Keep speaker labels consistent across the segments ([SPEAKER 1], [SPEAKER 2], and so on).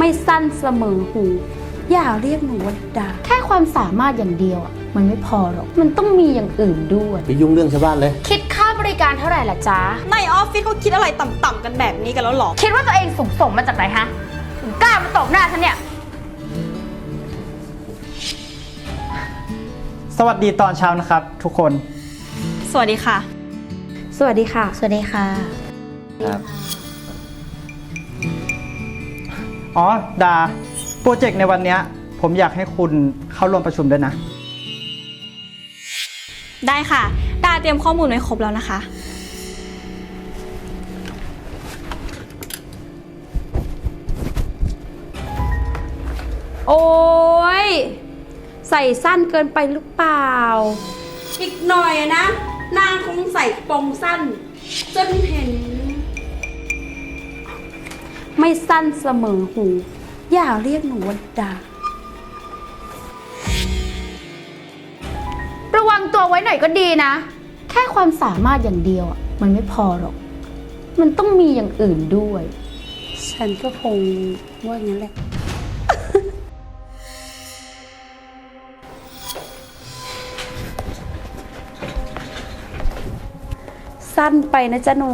[SPEAKER 1] ไม่สั้นเสมอหูอย่าเรียกหนูว่าดาแค่ความสามารถอย่างเดียวอ่ะมันไม่พอหรอกมันต้องมีอย่างอื่นด้วย
[SPEAKER 2] ไปยุ่งเรื่องชาวบ้านเลย
[SPEAKER 1] คิดค่าบริการเท่าไหร่ล่ะจ๊ะ
[SPEAKER 3] ในออฟฟิศเขาคิดอะไรต่ำๆกันแบบนี้กันแล้วหรอ
[SPEAKER 1] คิดว่าตัวเองสูงส่งมาจากไหนฮะถึงกล้ามาตบหน้าฉันเนี่ย
[SPEAKER 4] สวัสดีตอนเช้านะครับทุกคน
[SPEAKER 3] สวัสดีค่ะ
[SPEAKER 1] สวัสดีค่ะ
[SPEAKER 5] สวัสดีค่ะ
[SPEAKER 2] ครับ
[SPEAKER 4] อ๋อดาโปรเจกต์ในวันนี้ผมอยากให้คุณเข้าร่วมประชุมด้วยนะ
[SPEAKER 3] ได้ค่ะดาเตรียมข้อมูลไว้ครบแล้วนะคะ
[SPEAKER 1] โอ้ยใส่สั้นเกินไปหรือเปล่าอีกหน่อยนะนางคงใส่ปงสั้นจนเห็นไม่สั้นเสมอหูอย่าเรียกหนูว่าดาระวังตัวไว้หน่อยก็ดีนะแค่ความสามารถอย่างเดียวอ่ะมันไม่พอหรอกมันต้องมีอย่างอื่นด้วยฉันก็คงว่าอย่างนั้นแหละ สั้นไปนะจ๊ะหนู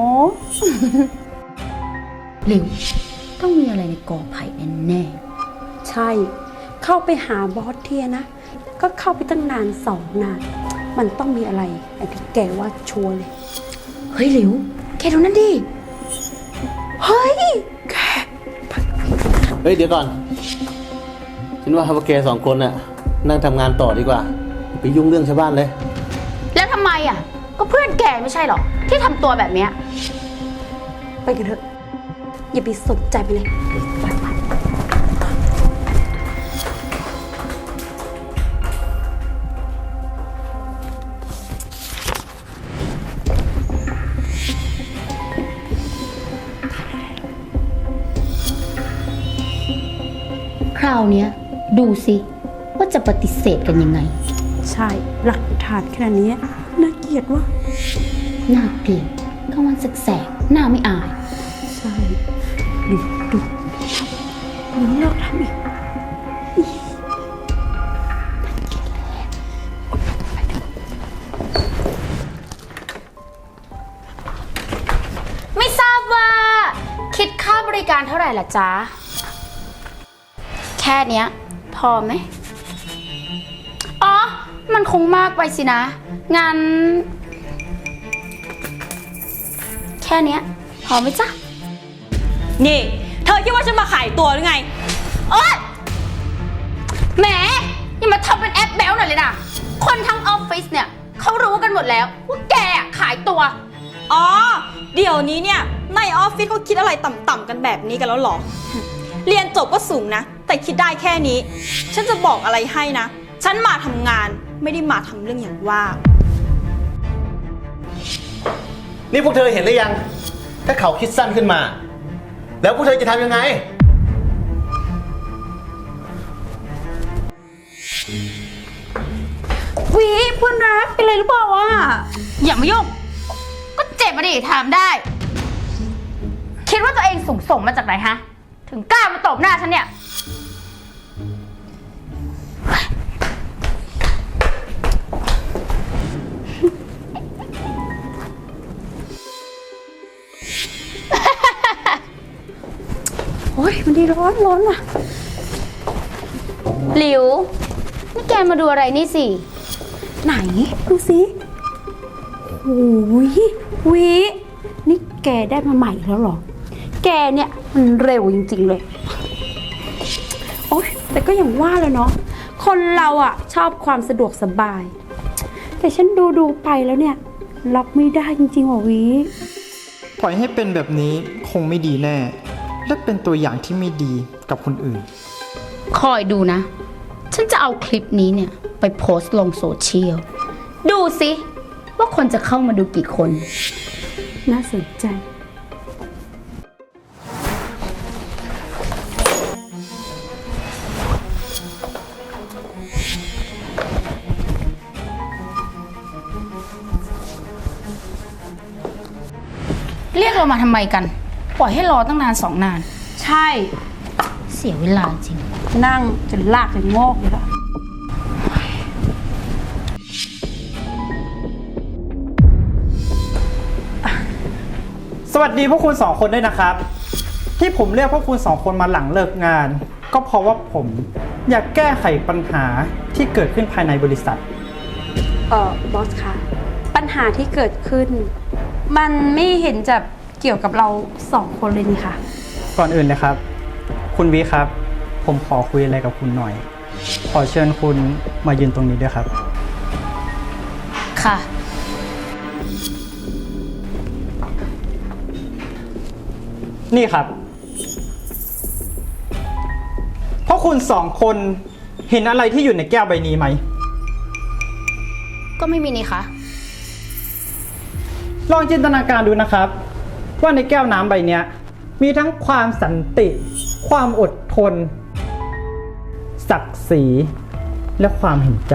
[SPEAKER 5] หลิวต้องมีอะไรในกอไผ่แน่
[SPEAKER 1] ๆใช่เข้าไปหาบอสเทียนะก็เข้าไปตั้งนาน2 นานมันต้องมีอะไรไอ้ที่แกว่าชัวร์เลย
[SPEAKER 5] เฮ้ยหลิวแกดูนั่นดิ
[SPEAKER 1] เฮ้ยแก
[SPEAKER 2] เดี๋ยวก่อนฉันว่าพวกแก2 คนน่ะนั่งทำงานต่อดีกว่าไปยุ่งเรื่องชาวบ้านเลย
[SPEAKER 1] แล้วทำไมอ่ะก็เพื่อนแกไม่ใช่หรอที่ทำตัวแบบเนี้ยไปกันเถอะอย่าไปสนใจไปเลยไป
[SPEAKER 5] คราวเนี้ยดูสิว่าจะปฏิเสธกันยังไง
[SPEAKER 1] ใช่หลักฐานขนาดนี้น่าเกลียดวะ
[SPEAKER 5] น่าเกลียดกลางวันแสกๆหน้าไม่อาย
[SPEAKER 1] ใช่ดูเลิกทำอีกไม่ทราบว่าคิดค่าบริการเท่าไหร่ล่ะจ๊ะแค่เนี้ยพอไหมอ๋อมันคงมากไปสินะงั้นแค่เนี้ยพอไหมจ๊ะ
[SPEAKER 3] นี่เธอคิดว่าฉันมาขายตัวหรือไง
[SPEAKER 1] โอ๊ยแหมอย่ามาทำเป็นแอปแบลหน่อยเลยนะคนทั้งออฟฟิศเนี่ยเขารู้กันหมดแล้วว่าแกขายตัว
[SPEAKER 3] อ๋อเดี๋ยวนี้เนี่ยในออฟฟิศเขาคิดอะไรต่ำๆกันแบบนี้กันแล้วหรอเรียนจบก็สูงนะแต่คิดได้แค่นี้ฉันจะบอกอะไรให้นะฉันมาทำงานไม่ได้มาทำเรื่องอย่างว่า
[SPEAKER 2] นี่พวกเธอเห็นหรือยังถ้าเขาคิดสั้นขึ้นมาแล้วพวกเธอจะทำยังไง
[SPEAKER 1] วีเพื่อนรักเป็นไรหรือเปล่าอ่ะอย่ามายุ่งก็เจ็บมาดิถามได้คิดว่าตัวเองสูงส่งมาจากไหนฮะถึงกล้ามาตบหน้าฉันเนี่ยโอ้ยมันดีร้อนว่ะหลิวนี่แกมาดูอะไรนี่สิไหนดูสิโอ้ยวินี่แกได้มาใหม่แล้วเหรอแกเนี่ยมันเร็วจริงๆเลยโอ๊ยแต่ก็อย่างว่าแล้วเนาะคนเราอ่ะชอบความสะดวกสบายแต่ฉันดูไปแล้วเนี่ยรับไม่ได้จริงๆว่ะวิ
[SPEAKER 4] ปล่อยให้เป็นแบบนี้คงไม่ดีแน่และเป็นตัวอย่างที่ไม่ดีกับคนอื่น
[SPEAKER 5] คอยดูนะฉันจะเอาคลิปนี้เนี่ยไปโพสต์ลงโซเชียลดูสิว่าคนจะเข้ามาดูกี่คน
[SPEAKER 1] น่าสนใจ
[SPEAKER 5] เรียกเรามาทำไมกันปล่อยให้รอตั้งนาน2 นาน
[SPEAKER 1] ใช่
[SPEAKER 5] เสียเวลาจริง
[SPEAKER 1] นั่งจนลากจนงอกเลยละ
[SPEAKER 4] สวัสดีพวกคุณสองคนด้วยนะครับ ที่ผมเรียกพวกคุณสองคนมาหลังเลิกงาน ก็เพราะว่าผมอยากแก้ไขปัญหาที่เกิดขึ้นภายในบริษัท
[SPEAKER 1] บอสคะปัญหาที่เกิดขึ้น มันไม่เห็นจะเกี่ยวกับเราสองคนเลยนี่ค่ะ
[SPEAKER 4] ก่อนอื่นเลยครับ คุณวิครับ ผมขอคุยอะไรกับคุณหน่อย ขอเชิญคุณมายืนตรงนี้ด้วยครับ
[SPEAKER 5] ค่ะ
[SPEAKER 4] นี่ครับพวกคุณสองคนเห็นอะไรที่อยู่ในแก้วใบนี้ไหม
[SPEAKER 5] ก็ไม่มีนี่คะ
[SPEAKER 4] ลองจินตนาการดูนะครับ ว่าในแก้วน้ำใบเนี้ยมีทั้งความสันติ ความอดทน ศักดิ์ศรีและความเห็นใจ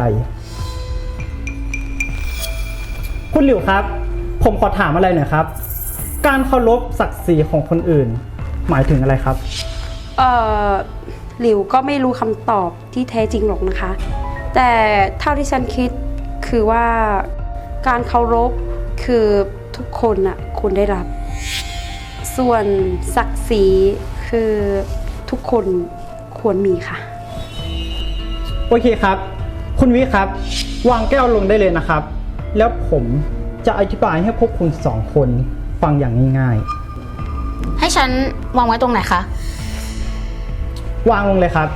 [SPEAKER 4] คุณหลิวครับ ผมขอถามอะไรหน่อยครับ การเคารพศักดิ์ศรีของคนอื่น หมายถึงอะไรครับ
[SPEAKER 1] หลิวก็ไม่รู้คำตอบที่แท้จริงหรอกนะคะ แต่เท่าที่ฉันคิดคือว่าการเคารพคือทุกคนน่ะควรได้รับ ส่วนศักดิ์ศรีคือทุกคนควรมีค่ะ
[SPEAKER 4] โอเคครับ คุณวิครับ วางแก้วลงได้เลยนะครับ แล้วผมจะอธิบายให้พวกคุณสองคนฟังอย่างง่าย
[SPEAKER 5] ให้ฉันวางไว้ตรงไหนคะ
[SPEAKER 4] ๆ วางลงเลยครับ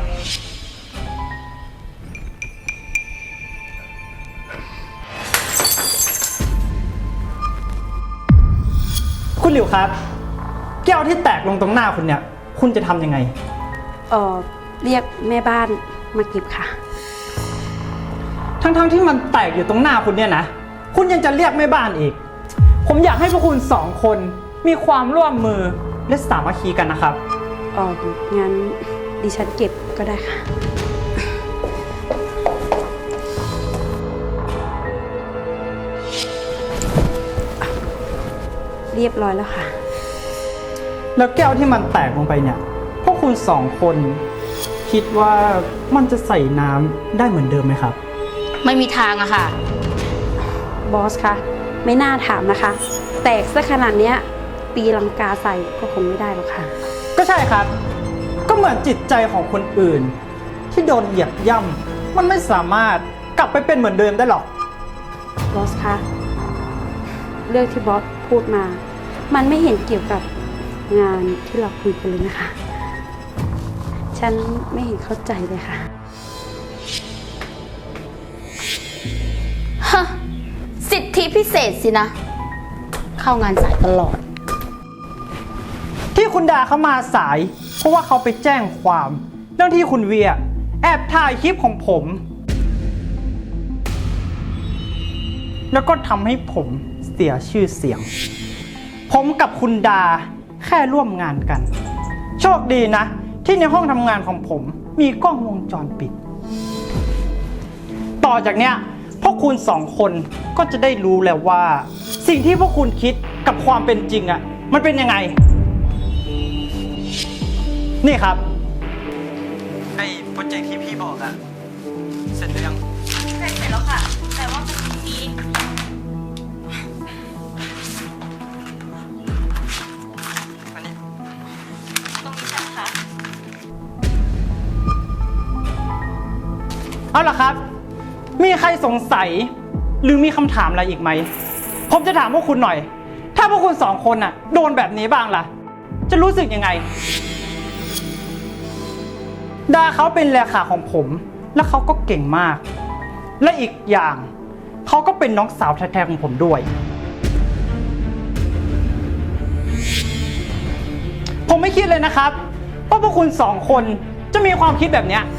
[SPEAKER 4] คุณหลิวครับ แก้วที่แตกลงตรงหน้าคุณเนี่ย คุณจะทำยังไง
[SPEAKER 1] เรียกแม่บ้านมาเก็บค่ะ
[SPEAKER 4] ทั้งๆที่มันแตกอยู่ตรงหน้าคุณเนี่ยนะ คุณยังจะเรียกแม่บ้านอีก ผมอยากให้พวกคุณสองคนมีความร่วมมือและสามัคคีกันนะครับ
[SPEAKER 1] งั้นดิฉันเก็บก็ได้ค่ะ เรียบร้อยแล้วค่ะ
[SPEAKER 4] แล้วแก้วที่มันแตกลงไปเนี่ย พวกคุณสองคนคิดว่ามันจะใส่น้ำได้เหมือนเดิมไหมครับ
[SPEAKER 5] ไม่มีทางอะค่ะ
[SPEAKER 1] บอสคะไม่น่าถามนะคะ แตกซะขนาดเนี้ยตีลังกาใส่ก็คงไม่ได้หรอกค่ะ
[SPEAKER 4] ก็ใช่ครับ ก็เหมือนจิตใจของคนอื่น ที่โดนเหยียบย่ำมันไม่สามารถกลับไปเป็นเหมือนเดิมได้หรอก
[SPEAKER 1] บอสคะเรื่องที่บอสพูดมา มันไม่เห็นเกี่ยวกับงานที่เราคุยกันเลยนะคะ ฉันไม่เห็นเข้าใจเลยค่ะ
[SPEAKER 5] ฮะ สิทธิพิเศษสินะ เข้างานสายตลอด
[SPEAKER 4] ที่คุณดาเขามาสาย เพราะว่าเขาไปแจ้งความเรื่องที่คุณเวียแอบถ่ายคลิปของผม แล้วก็ทำให้ผมเสียชื่อเสียง ผมกับคุณดาแค่ร่วมงานกัน โชคดีนะ ที่ในห้องทำงานของผมมีกล้องวงจรปิด ต่อจากเนี้ยพวกคุณสองคนก็จะได้รู้แล้วว่า สิ่งที่พวกคุณคิดกับความเป็นจริงอะมันเป็นยังไง นี่ครับไอ้โปรเจกต์ที่พี่บอกอะเสร็จหรือยัง
[SPEAKER 3] เสร็จแล้วค่ะ แต่ว่ามันมี
[SPEAKER 4] อันนี้
[SPEAKER 3] ตรงนี้ใช่ไหมคะ
[SPEAKER 4] เอาล่ะครับ มีใครสงสัยหรือมีคำถามอะไรอีกไหม ผมจะถามพวกคุณหน่อย ถ้าพวกคุณสองคนน่ะโดนแบบนี้บ้างล่ะ จะรู้สึกยังไง ดาเขาเป็นเลขาของผม และเขาก็เก่งมาก และอีกอย่างเขาก็เป็นน้องสาวแท้ๆของผมด้วย ผมไม่คิดเลยนะครับว่าพวกคุณสองคนจะมีความคิดแบบเนี้ย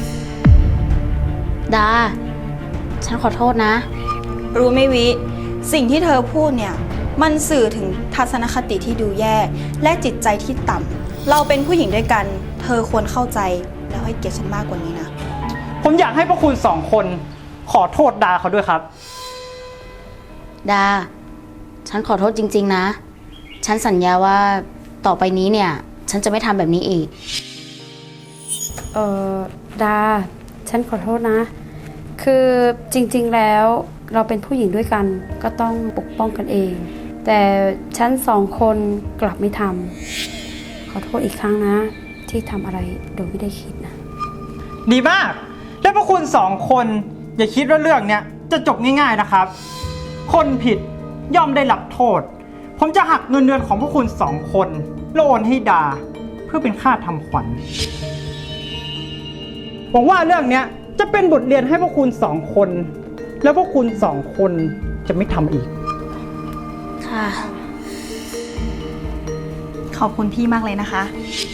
[SPEAKER 5] ดา ฉันขอโทษนะ
[SPEAKER 3] รู้ไหมวิ สิ่งที่เธอพูดเนี่ย มันสื่อถึงทัศนคติที่ดูแย่ และจิตใจที่ต่ำ เราเป็นผู้หญิงด้วยกัน เธอควรเข้าใจแล้วให้เกียรติฉันมากกว่านี้นะ
[SPEAKER 4] ผมอยากให้พวกคุณสองคนขอโทษดาเขาด้วยครับ
[SPEAKER 5] ดา ฉันขอโทษจริงๆนะ ฉันสัญญาว่าต่อไปนี้เนี่ย ฉันจะไม่ทำแบบนี้อีก
[SPEAKER 1] เออดา ฉันขอโทษนะ คือจริงๆแล้วเราเป็นผู้หญิงด้วยกันก็ต้องปกป้องกันเอง แต่ฉันสองคนกลับไม่ทำขอโทษอีกครั้งนะ ที่ทำอะไรโดยไม่ได้คิดนะ
[SPEAKER 4] ดีมาก และพวกคุณสองคนอย่าคิดว่าเรื่องเนี้ยจะจบง่ายๆนะครับ คนผิดย่อมได้รับโทษ ผมจะหักเงินเดือนของพวกคุณสองคนแล้วโอนให้ดาเพื่อเป็นค่าทำขวัญหวังว่าเรื่องเนี้ยจะเป็นบทเรียนให้พวกคุณสองคน แล้วพวกคุณสองคนจะไม่ทำอีก
[SPEAKER 3] ค่ะ ขอบคุณพี่มากเลยนะคะ